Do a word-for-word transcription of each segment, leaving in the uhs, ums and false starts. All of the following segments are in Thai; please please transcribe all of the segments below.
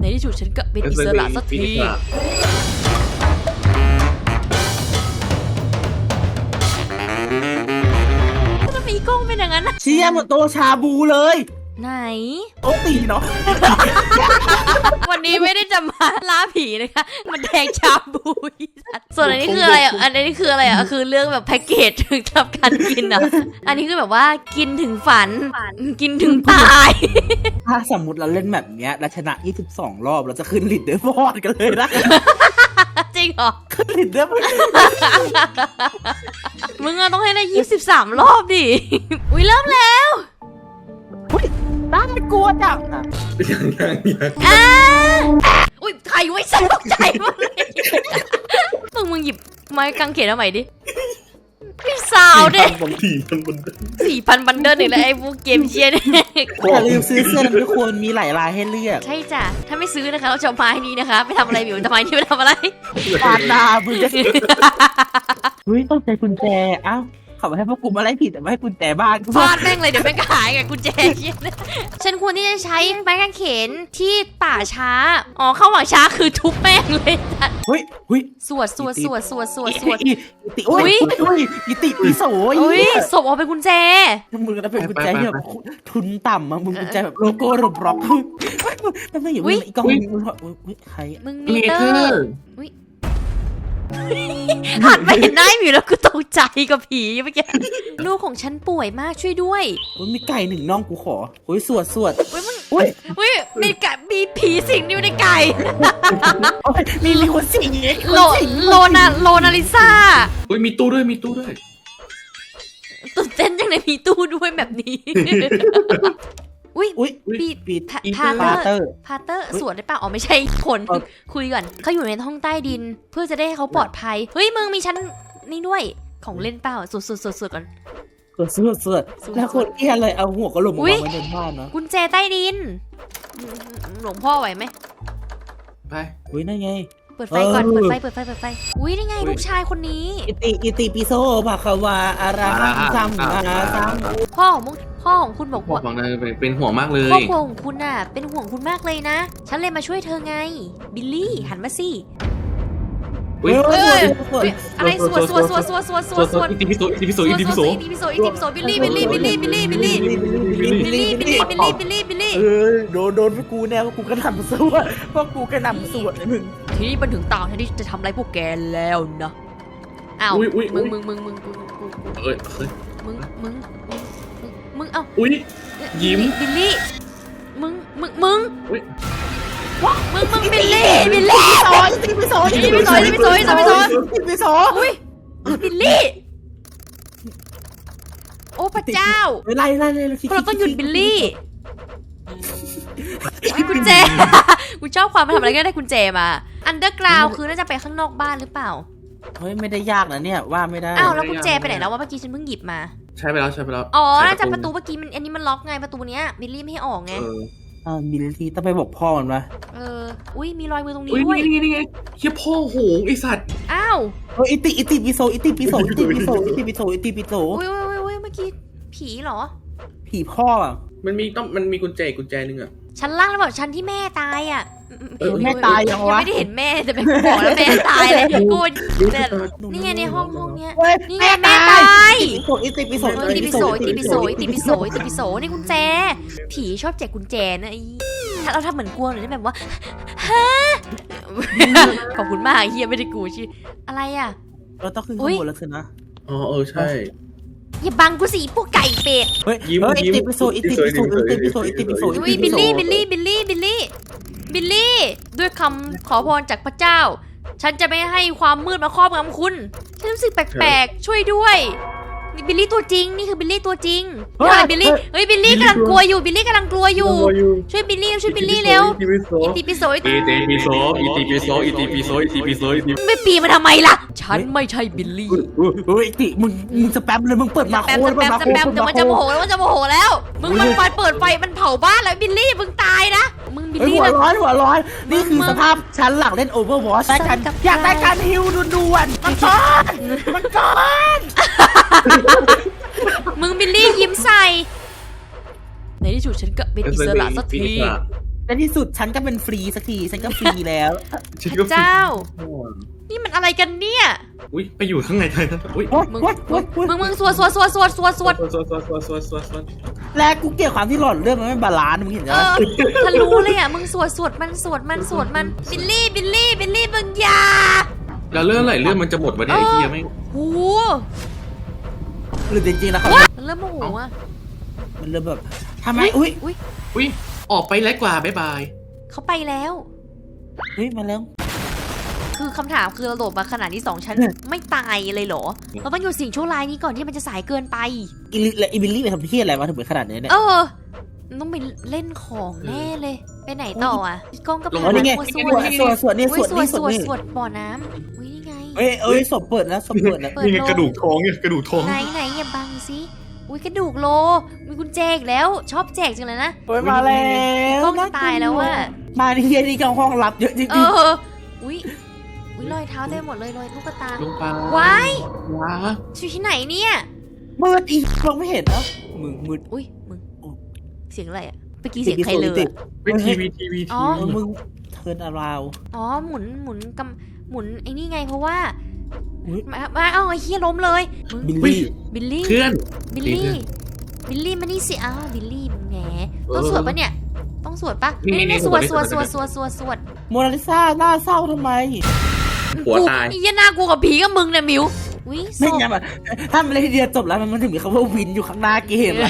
ในที่สุดฉันก็เป็นอิสระสักทีทำไมกล้องเป็นอย่างนั้นนะเชี่ยเหมือนโตชาบูเลยไหนโอ้ตีเนาะวันนี้ไม่ได้จะมาล่าผีนะคะมันแดงชาบูส่วนอันนี้คืออะไรอ่ะอันนี้คืออะไรอ่ะคือเรื่องแบบแพ็กเกจถึงทำการกินอ่ะอันนี้คือแบบว่ากินถึงฝันกินถึงตายถ้าสมมติเราเล่นแบบเนี้ยเราชนะยี่สิบสองรอบเราจะขึ้นลิดเดอร์บอร์ดกันเลยนะจริงเหรอขึ้นลิดเดอร์บอร์ดมึงอะต้องให้ได้ยี่สิบสามรอบดิอุ้ยเริ่มแล้วน่ากลัวจังอ่ะยังยังยังอ่าอุ้ยใครไว้สนุกใจมากเลยมึงมึงหยิบไม้กางเขนเอาใหม่ดิพี่สาวเด็กสี่พันบันเดิลสี่พันบันเดิลอีกแล้วไอ้พวกเกมเชียร์เนี่ยอย่าลืมซื้อเสื้อนะทุกคนมีหลายลายให้เลือกใช่จ้ะถ้าไม่ซื้อนะคะเราจะเอาไม้นี้นะคะไปทำอะไรอยู่ทำไมนี่ไปทำอะไรปาดดาบึงจะเฮ้ยต้องใจกุญแจเอ้าเขาให้พวกกูมาไล่ผิดแต่ไม่ให้กุญแจบ้านฟาดแม่งเลยเดี๋ยวแม่งก็หายไงกุญแจเชียร์ฉันควรที่จะใช้ไม้กางเขนที่ป่าช้าอ๋อเข้าป่าช้าคือทุบแม่งเลยจ้ะเฮ้ยเฮ้ยสวดสวดสวดสวดสวดสวดอิติอุ้ยอุ้ยอิติปีโสอุ้ยศพเอาเป็นกุญแจมึงก็เป็นกุญแจแบบทุนต่ำอ่ะมึงกุญแจแบบโลโก้รบล็อกมันไม่อยู่อีกกองมึงใครมึงมีเตอร์หันไปเห็นหน้าอยู่แล้วกูตกใจกับผีเมื่อกี้ลูกของฉันป่วยมากช่วยด้วยมีไก่หนึ่งน้องกูขอโอ้ยสวดสวดอุ้ยมึงอุ้ยอุ้ยมีไก่มีผีสิงอยู่ในไก่มีมีคนสิงโลโลนาโลนาลิซ่าอุ้ยมีตู้ด้วยมีตู้ด้วยตื่นเต้นจังเลยมีตู้ด้วยแบบนี้อุ้ยอุ้ยปีปีพาเตอร์พาเตอร์สวดได้ป่ะอ๋อไม่ใช่คนคุยก่อนเขาอยู่ในห้องใต้ดินเพื่อจะได้ให้เขาปลอดภัยเฮ้ยมึงมีชั้นนี่ด้วยของเล่นเปล่าสวดสวดสวดสวดก่อนสวดสวดสวดแล้วคนเอี้ยเลยเอาหัวกระโหลกมาไว้ในบ้านเนาะกุญแจใต้ดินหลวงพ่อไหวไหมไปอุ้ยนั่นไงเปิดไฟก่อนเปิดไฟเปิดไฟเปิดไฟอุ้ยนี่ไงลูกชายคนนี้อิติอิติปิโซภาควาอาราซัมอาซัมพ่อของมึงพ่อของคุณบอกว่าบอกนะเป็นห่วงมากเลยครอบครัวของคุณน่ะเป็นห่วงคุณมากเลยนะฉันเลยมาช่วยเธอไงบิลลี่หันมาสิอะไรสวดสวดสวดสวดสวดสวดสวดอิติปิโสอิติปิโสอิติปิโสอิติปิโสอิติปิโสบิลลี่บิลลี่บิลลี่บิลลี่บิลลี่บิลลี่บิลลี่บิลลี่บิลลี่บิลลี่เออโดนโดนพวกกูแน่พวกกูกระหน่ำสวดพวกกูกระหน่ำสวดเลยมึงทีนี้มันถึงตาฉันที่จะทำอะไรพวกแกแล้วนะอ้าวมึงมึงมึงมึงมึงเอ้ยมึงมึงมึงเอ้าอุ้ยยิ้มบิลลี่มึงมึงมึงมึงมึงบิลลี่บิลลี่ซอยตีไปซอยตีไปซอยตีไปซอยตีไปซอยตีไปซอยอุ้ยบิลลี่โอ้พระเจ้าไล่ไล่ไล่เราต้องหยุดบิลลี่กุญแจกูชอบความมาทำอะไรก็ได้กุญแจมาอันเดอร์กราวคือน่าจะไปข้างนอกบ้านหรือเปล่าเฮ้ยไม่ได้ยากนะเนี่ยว่าไม่ได้อ้าวแล้วกุญแจไปไหนแล้ววะเมื่อกี้ฉันเพิ่งหยิบมาใช่ไปแล้วใช่ไปแล้วอ๋อน่าจะประตูเมื่อกี้มันอันนี้มันล็อกไงประตูเนี้ยบิลลี่ไม่ให้ออกไงอ่าบิลลี่ต้องไปบอกพ่อมันวะเอออุ้ยมีรอยมือตรงนี้ด้วยนี่ไงนี่ไงเฮียพ่อโหงไอสัตว์อ้าวเอออิติอิติปิโสอิติปิโสอิติปิโสอิติปิโสอิติปิโสอุ้ยอุ้ยอุ้ยเมื่อกี้ผีเหรอผีพ่อมันมีต้องมันมีกุญแจกุญแจนึงอ่ะชั้นล่างแล้วบอกชั้นที่แม่ตายอ่ะแม่ตายยังวะไม่ได้เห็นแม่แต่เป็นบอกแล้วแม่ตายเลยกูนี่ไงในห้องห้องเนี้ยนี่ไงแม่ตายอิติปิโสอิติปิโสอิติปิโสอิติปิโสอิติปิโสนี่กุญแจผีชอบแจกกุญแจนะไอ้ถ้าเราทำเหมือนกลัวหรือแบบว่าฮะขอบคุณมากเฮียไม่ได้กูชื่ออะไรอ่ะเราต้องขึ้นข้างบนแล้วสินะอ๋อเออใช่อย่าบังกูสิพวกไก่เป็ดเฮ้ยยิ้มยิ้มอิติปิโสอิติปิโสอิติปิโสอิติปิโสอุ้ยบิลลี่บิลลี่บิลลี่บิลลี่บิลลี่ด้วยคำขอพรจากพระเจ้าฉันจะไม่ให้ความมืดมาครอบงำคุณฉันรู้สึกแปลกๆช่วยด้วยนี่บิลลี่ตัวจริงนี่คือบิลลี่ตัวจริงอะไรบิลลี่เฮ้ยบิลลี่กำลังกลัวอยู่บิลลี่กำลังกลัวอยู่ช่วยบิลลี่ช่วยบิลลี่เร็วอิติปิโสอิติปิโสอิติปิโสอิติปิโสอิติปิโสไม่ปีมาทำไมล่ะฉันไม่ใช่บิลลี่เฮ้ยติมึงมึงสแปมเลยมึงเปิดมาโค้ดสแปมสแปมเดี๋ยวมันจะโมโหแล้วมันจะโมโหแล้วมึงมันไฟเปิดไฟมันเผาบ้านแล้วบิลลี่มึงตายนะมึงบิลลี่หัวร้อนหัวร้อนนี่คือสภาพชั้นหลังเล่นโอเวอร์วอชได้กันอยากได้การฮิวด่วนๆมันก้อนมันก้อนมึงบิลลี่ยิ้มใส่ในที่สุดฉันก็เป็นอิสระสักทีในที่สุดฉันก็เป็นฟรีสักทีฉันก็ฟรีแล้วฉันพก็ระเจ้าโอ้ยนี่มันอะไรกันเนี่ยอุ้ยไปอยู่ข้างในเลยนะอุ้ยโอ๊ยมึงโอ๊ยมึโอ๊งยโอ๊ยมึงมึงสวดสวดสวดสวดสวดสวดสวดสวดสวดสวดสวดสวดและกูเกลียดความที่หลอดเลือดมันไม่บาลานซ์มึงเห็นไหมเออทะลุเลยอ่ะมึงสวดสวดมันสวดมันสวดมันบิลลี่บิลลี่บิลลี่มึงอย่าแล้วเลื่อนไหลเลื่อนมันจะหมดวะเนี่ยไอ้เหี้ยไม่งโอ้หรือจริงๆแล้วเขามันเริ่มโมโหอ่ะมันเริ่มแบบทำไมอุ้ยอุ้ยอุ้ยออกไปแล้วกว่าบ๊ายบายเขาไปแล้วเฮ้ยมาแล้วคือคำถามคือเราโดดมาขนาดที่สองชั้นเนี่ยไม่ตายเลยเหรอ เราต้องอยู่สิ่งชั่วร้ายนี้ก่อนที่มันจะสายเกินไปอีลิและอีบิลลี่ไปทำเพี้ยอะไรมาถึงเป็นขนาดนี้เนี่ยเออมันต้องไปเล่นของแน่เลย ไปไหนต่ออ่ะพี่ก้องก็ลงพาอ๋อนี่ไงมาสสววดดสวดสวดนี่อุ้สยวดสวดนี่สสววดดนี่สวดบ่อน้ำอุ้ยนี่ไงเอ้ยเอ้ยศพเปิดแล้วศพเปิดแล้วเปิดนี่ไงโลกระดูกท้องเนี่ยกระดูกท้องไหนไหนอย่าบังสิอุ้ยกระดูกโล มีกุญแจอีกแล้ว ชอบแจกจังเลยนะเฮ้ยมาแล้วกล้องจะตายแล้วว่ะมาในเฮียนี่ก็ห้องลับเยอะจริงเออ อุ้ยอุ้ยรอยเท้าเต็มหมดเลยรอยลูกตาลงไปว้ายว้าอยู่ที่ไหนเนี่ยๆมืดอีมองไม่เห็นนะมึงมืดอุ้ยมึงเสียงอะไรอ่ะเมื่อกี้เสียงใครเลยติดอะเป็นทีวีทีวีอ๋ทีอวีมึงเทิร์นอาราวอ๋อหมุนหมุนกำหมุนไอ้นี่ไงเพราะว่าอุ๊ยมามาเอาไอ้เฮียล้มเลยมึงบิลลี่บิลลี่เพื่อนบิลดีลี่เพื่อนบิลลี่มานี่สิอ้าวบิลลี่มึงแหมเออต้องสวดปะเนี่ย ต้องสวดปะนี่นี่นี่นี่สวดสสววดดสสววดดสวดสวดสวดสวดโมนาลิซาหน้าเศร้าทำไมหัวกูตายไอ้เหี้ยหน้ากูกับผีกับมึงเนี่ยมิวอุ้ยศไม่พงั้นอะถ้ามันเลยทีเดียวจบแล้วมันถึงมีคำว่าวินอยู่ข้างหน้าเกมอะ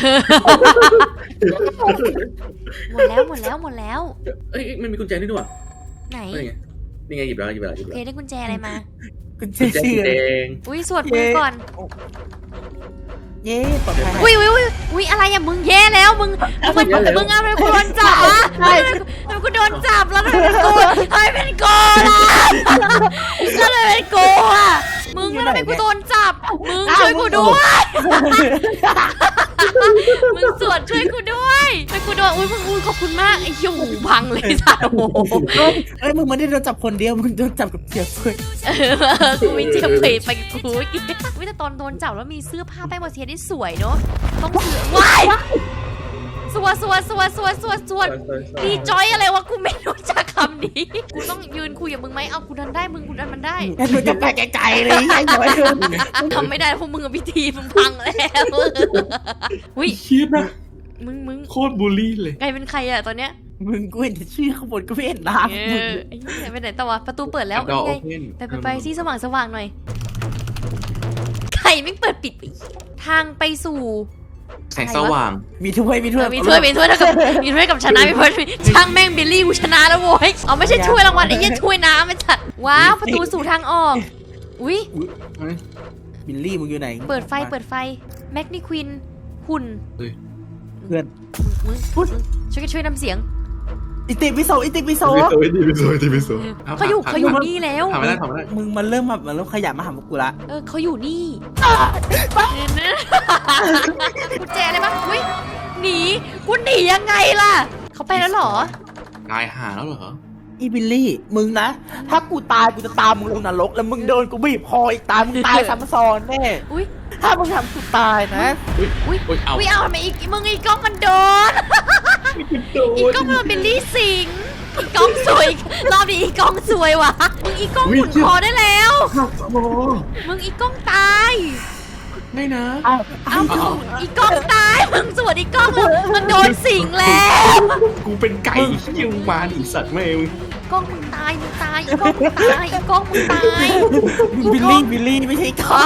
หมดแล้วหมดแล้วหมดแล้วเอ้ยมันมีกุญแจด้วยด้วยไหนนี่ไงนี่ไงหยิบแล้วหยิบแล้วหยิบเพแล้วได้กุญแจอะไรมาคุณเชกุญแจเชื่สีอแดงอุ้ยสวดมือก่อนเย้ปลอดภัยอุ้ยอุ้ยอุ้ยอุ้ยอะไรอะมึงแย่แล้วมึงมึงมึงเอาไปกูโดนจับอะทำไมกูโดนจับแล้วทำไมเป็นกูทำไมเป็นกูล่ะแล้วทำไมเป็นกูอะมึงแล้วทำไมกูโดนจับ มึงช่วยกูด้วย มึงสวดช่วยกูด้วยช่วยกูด้วยอุ้ยมึงอุ้ยขอบคุณมากไอ้เหี้ยหูพังเลยสัตว์โอ้โหเอ้ยมึงไม่ได้โดนจับคนเดียวมึงโดนจับกับเจียบเลยเออกูมีเจ็บไปไปกับกูเมื่อกี้อุ้ยแต่ตอนโดนจับแล้วมีเสื้อผ้าแป้งบอเทียได้สวยเนาะต้องเสือว้ายสวดสวดสวดสวดสวดสวดดีจอยอะไรวะกูไม่รู้จักคำนี้กูต้องยืนคุยกับมึงไหมเอากูดันได้มึงกูดันมันได้ไอ้มึงจะไปไกลๆเลยไอ้หน่อยทำไม่ได้เพราะมึงกับพิธีมึงพังแล้วอุ้ยคิดนะมึงมึงโคตรบูลลี่เลยกลายเป็นใครอะตอนเนี้ยมึงกูเห็นแต่ชื่อข้างบนก็ไม่เห็นน้เอำมึงอไอ้เหี้ยไปไหนต่อวะประตูเปิดแล้วดอนี่โอไงเพนไปไปไปที่สว่างสว่างหน่อยใครไม่เปิดปิดไปทางไปสู่แสงสว่างมีถ้วยมีถ้วยเออมีถ้วยมีถ้วยแล้วกับมีถ้วยกับชนะมีถ้วยช่างแม่งบิลลี่กูชนะแล้วโว้ยเอาไม่ใช่ถ้วยรางวัลไอ้เหี้ยถ้วยน้ำไอ้สัตว์ว้าวประตูสู่ทางออกอุ้ยบิลลี่มึงอยู่ไหนเปิดไฟเปิดไฟแม็กนี่ควินหุ่นเพื่อนมึงมึงช่วยกันช่วยนำเสียงอิติปิโสอิติปิโสทีวีโซทีวีโซเขาอยู่เขาอยู่นี่แล้วทำไม่ได้ทำไม่ได้มึงมันเริ่มแบบมันเริ่มขยับมาหาพวกกูละเออเขาอยู่นี่กุญแจอะไรบ้างอุ้ยหนีกูหนียังไงล่ะเขาไปแล้วเหรอตายหาแล้วเหรออีบิลลี่มึงนะถ้ากูตายกูจะตามมึงลงนรกแล้วมึงโดนกูบีบคออีกตายมึงตายซ้ำซ้อนแน่อุ้ยถ้ามึงทำกูตายนะอุ้ยอุ้ยอุ้ยเอาอุ้ยเอาทำไมอีกมึงอีกกล้องมันโดน อีกกล้องมันโดนบิลลี่สิงอีกกล้องสวยรอบนี้อีกกล้องสวยวะมึงอีกกล้องหมุนคอได้แล้วโอ้มึงอีกกล้องตายไม่นะอ้าวเอาอีกกล้องตายมึงสวดอีกกล้องมึงมันโดนสิงแล้วกูเป็นไก่ที่ยังมาดิสัตว์แม่มึงกล้องมึงตายมึงตายอีกกล้องมึงตายอีกกล้องมึงตายบิลลี่บิลลี่ไม่ใช่อ๋อ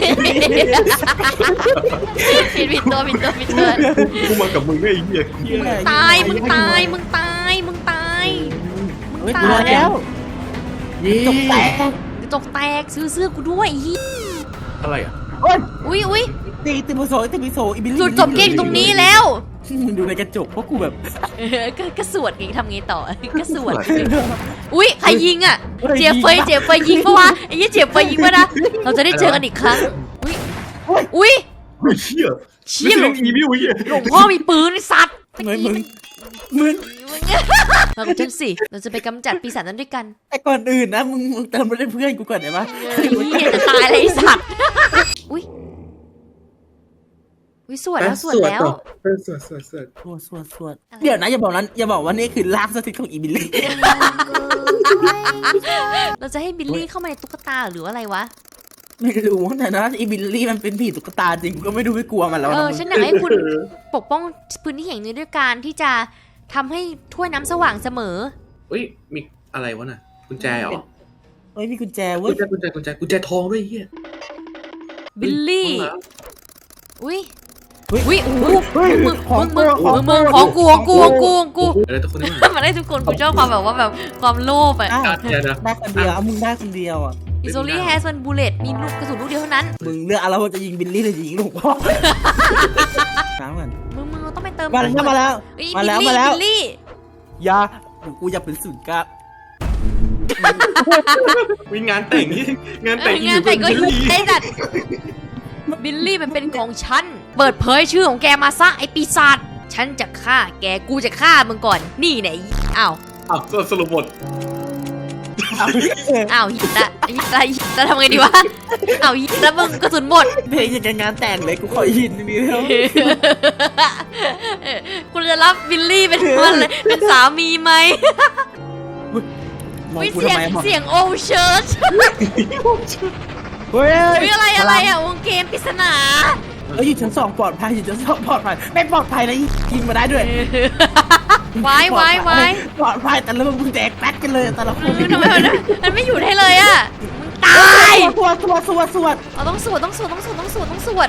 ผิดผิดตัวผิดตัวผิดตัวกูมากับมึงได้ไอ้เหี้ยตายมึงตายมึงตายมึงตายมึงเฮ้ยตากูรอย แล้วเย้จบแตกกระจกแตกซื้อเสื้อกูด้วยอีอะไรอ่ะโอ้ยอุ้ยอุ้ยตีติปิโสติปิโสอีบิลลี่จุดจบเกมอยู่ตรงนี้แล้วมึงดูในกระจกเพราะกูแบบเออก็ก็สวดไงทำไงต่อก็สวดอุ้ยใครยิงอ่ะเจียเฟยเจียเฟยยิงปะวะไอ้ยี่เจียเฟยยิงปะนะเราจะได้เจอกันอีกครั้งอุ้ยอุ้ยเฮ้ยเชี่ยเชี่ยหลวงอีวิวเหี้ยหลวงพ่อมีปืนไอ้สัตว์เหมือนมึงมึงมากับฉันสิเราจะไปกำจัดปีศาจนั้นด้วยกันแต่ก่อนอื่นนะมึงมึงเติมมาได้เพื่อนกูก่อนได้ปะไอ้เหี้ยจะตายเลยไอ้สัตว์อุ้ยวิสวดแล้วสวดแล้วเออสวดสวดสวดสวดสวดสวดเดี๋ยวนะอย่าบอกนั้นอย่าบอกว่านี่คือร่างสถิตของอีบิลลี่เราจะให้บิลลี่เข้ามาในตุ๊กตาหรืออะไรวะไม่รู้แต่นะอีบิลลี่มันเป็นผีตุ๊กตาจริงก็ไม่ดูไม่กลัวมันแล้วเอนะอมึงฉันอยากให้คุณปกป้องพื้นที่แห่งนี้ด้วยการที่จะทำให้ถ้วยน้ำสว่างเสมอเฮ้ยมีอะไรวะน่ะกุญแจเหรอเฮ้ยมีกุญแจกุเว้ญยแจกุญแจกุญแจกุญแจทองด้วยเฮียบิลลี่ อุ้ยเฮ้ยอุ้ยโอ้โหเฮ้ยมึงของมึงกูมึงมึงของกูของกูของกูของกูอะไรทุกคนนี่มันได้ทุกคนกูชอบความแบบว่าแบบความโลภอะอ้าวเดี๋ยวนะได้คนเดียวเอามึงได้คนเดียวอ่ะอิโซลี่แฮสมันบูเลตมีลูกกระสุนลูกเดียวเท่านั้นมึงเลือกเอาแล้วว่าจะยิงบิลลี่หรือจะยิงหลวงพ่อน้ำกันมึงมึงเราต้องไปเติมมาแล้วมาแล้วเฮ้ยมาแล้วบิลมาแล้วบิลลี่อย่ากูอยากเป็นศูนย์กลางมีงานแต่งนี่งานเอแต่งออยู่งานแต่งก็เป็นยิงได้จัดบิลลี่มันเป็นของฉัน เปิดเผยชื่อของแกมาซะไอปีศาจฉันจะฆ่าแกกูจะฆ่ามึงก่อนนี่ไหนอ้าวอ้าวสรุปบทอ้าวหิตะหิตะหิตะทำไงดีวะอ้าวหิตะมึงกระสุนหมดเพลงอย่างกับงานแต่งเลยกูขอยินนี่แล้วคุณจะรับบิลลี่เป็นมันเลยเป็นสามีไหมมองวิกูเสียทำงไมมองเสียงโอเชิร์ชเฮ้ยวิอะไรอะไรอ่ะวงเกมปริศนาเอ้ยอยู่ชั้นสองปลอดภัยอยู่ชั้นสองปลอดภัยไม่ปลอดภัยนะยิงมาได้ด้วยไว้ไว้ไว้ปลอดภัยแต่ละมึงแดกแป๊กกันเลยแต่ละคนทำไมมันมันไม่อยู่ให้เลยอ่ะมึงตายสวดสวดสวดสวดเราต้องสวดต้องสวดต้องสวดต้องสวดต้องสวด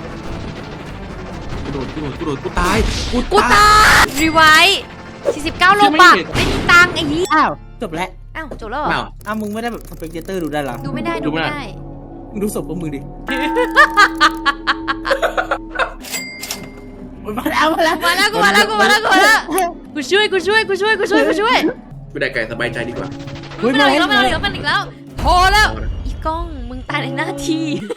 กูโดดกูโดดกูโดดกูตายกูตายรีไวท์สี่สิบเก้าโลบาทไม่มีตังค์ไอ้ยี่อ้าวจบแล้วอ้าวจบแล้วเหรออ้าวอ้าวมึงไม่ได้แบบสเปกเตอร์ดูได้หรอดูไม่ได้ดูดูไม่ไม่ได้ได้มึงดูศพของมึงดิมาแล้วมาแล้วมาแล้วกูมาแล้วกูมาแล้วกูมาแล้วกูช่วยกูช่วยกูช่วยกูช่วยกูช่วยกูได้ไก่สบายใจดีกว่าไม่เอาอีกแล้วไม่เอาอีกแล้วไม่เอาอีกแล้วพอแล้วอีกล้องมึงตายในหน้าที่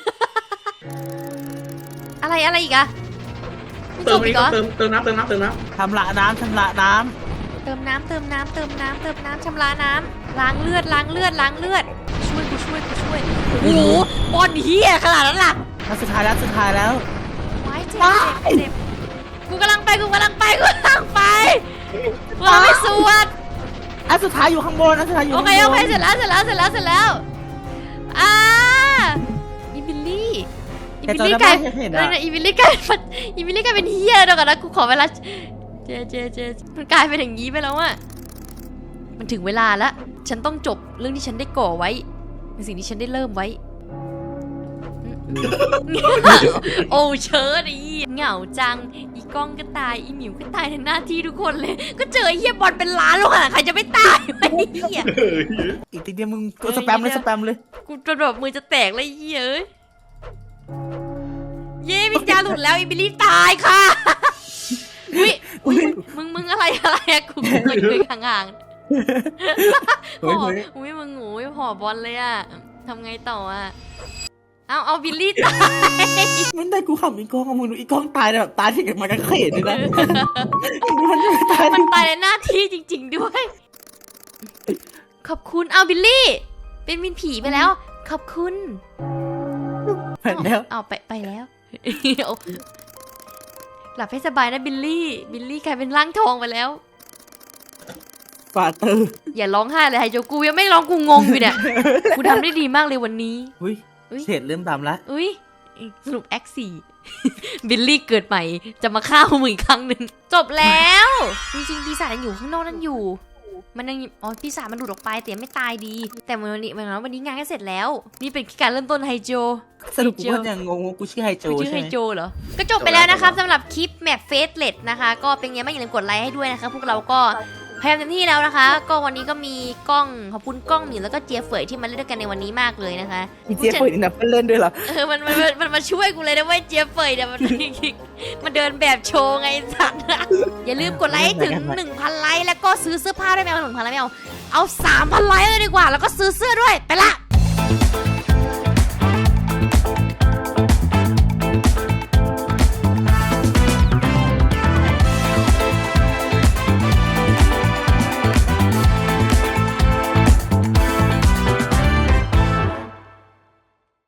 อะไรอะไรอีกอะไม่จเติมบอันอีนี้กเหรอเติมเติมน้ำเติมน้ำเติมน้ชำระน้ำชำระน้เติมน้ำเติมน้ำเติมน้ำเติมน้ำชำระน้ำล้างเลือดล้างเลือดล้างเลือดช่วยกูช่วยกูช่วยโอ้โหบอลเฮียขนาดนั้นล่ะำแล้วสุดท้ายแล้วสุดท้ายแล้วไว้เจ็บเจ็บเจ็บกูกำลังไปกูกำลังไปกูกำลังไปกูกำลังไปสวดอันสุดท้ายอยู่ข้างบนอันสุดท้ายอยู่โอข้างเคบนโอเคเสร็จแล้วเสร็จแล้วเสร็จแล้วเสร็จแล้วอ่าอีบิลลี่อีบิลลี่กลายเอออีบิลลี่กลายเป็นอีบิลลี่กลายเป็นเฮียเดี๋ยวก่อนนะกูขอเวลาเจเจเจมันกลายเป็นอย่างนี้ไปแล้วอะมันถึงเวลาแล้วฉันต้องจบเรื่องที่ฉันได้ก่อไว้เป็นสิ่งที่ฉันได้เริ่มไว้ โอ้เชิดอีเหงาจังอีกล้องก็ตายอีหมิวก็ตายในหน้าที่ทุกคนเลย ก็เจอไอ้เฮียบอลเป็นล้านลูกอ่ะใครจะไม่ตายวะไอ้เฮียำเออเหี้ยอีกทีเดียวมึงก็สแปมเลยสแปมเลยกูจนแบบมือจะแตกเลยไอ้เฮียเอ้ยเย้วิญญาณหลุดแล้วอีบิลลี่ตายค่ะอุ้ยอุ้ยมึงมึงอะไรอะไรอะกูกูคุยคุยห่างๆเฮ้ยห่อเฮ้ยอุ้ยมึงงูห่อบอลเลยอะทำไงต่ออะเอาเอาบิลลี่ตายมันได้กูขำอีกกล้องมึงดูอีกกล้องตายแบบตายที่กับมันกันเขตเลยนะมันตายมันตายในหน้าที่จริง ๆด้วย ขอบคุณเอาบิลลี่ เป็นมินผีไปแล้ว ขอบคุณผ่านแล้วเอาไปไปแล้ว เอาหลับให้สบายนะบิลลี่ บิลลี่กลายเป็นร่างทองไปแล้วฟาเตอร์อย่าร้องไห้เลยไฮโจกูยังไม่ร้องกูงงอยู่เนี่ย กูทำได้ดีมากเลยวันนี้อุ้ยอุ๊ยเฉดเริ่มตามละอุ้ยสรุปแอคสี่ บิลลี่เกิดใหม่ จะมาฆ่ามึงอีกครั้งหนึ่งจบแล้ว จริงๆปีศาจยังอยู่ข้างนอกนั่นอยู่ มันยังอ๋อปีศาจมันหลุดออกไปแต่ยังไม่ตายดี แต่วันนี้วันนี้วันนี้งานก็เสร็จแล้ว นี่เป็นการเริ่มต้นไฮโจสรุปกูก็ยังงงว่ากูชื่อไฮโจไม่ชื่อใช่ไฮไหมโจเหรอ ก็จบไปแล้วนะครับสำหรับคลิปแมปเฟสเลดนะคะ ก็เป็นไงบ้างอย่าลืมกดไลค์ให้ด้วยนะคะพวกเราก็พยายามเต็มที่แล้วนะคะ ก็วันนี้ก็มีกล้องขอบคุณกล้องหมิวแล้วก็เจียเฟยที่มาเล่นด้วยกันในวันนี้มากเลยนะคะมีเจี๊ยบเปิดอินดับเล่นด้วยเหรอเออมันมันมันมันมาช่วยกูเลยนะเว้ยเจียเฟยเนี่ยมัน มันเดินแบบโชว์ไงสัตว์อย่าลืมกดไลค์ให้ถึง หนึ่งพัน ไลค์แล้วก็ซื้อเสื้อผ้าด้วยแมวหนึ่งพันไลค์ไม่เอาเอา สามพัน ไลค์เลยดีกว่าแล้วก็ซื้อเสื้อด้วยไปละ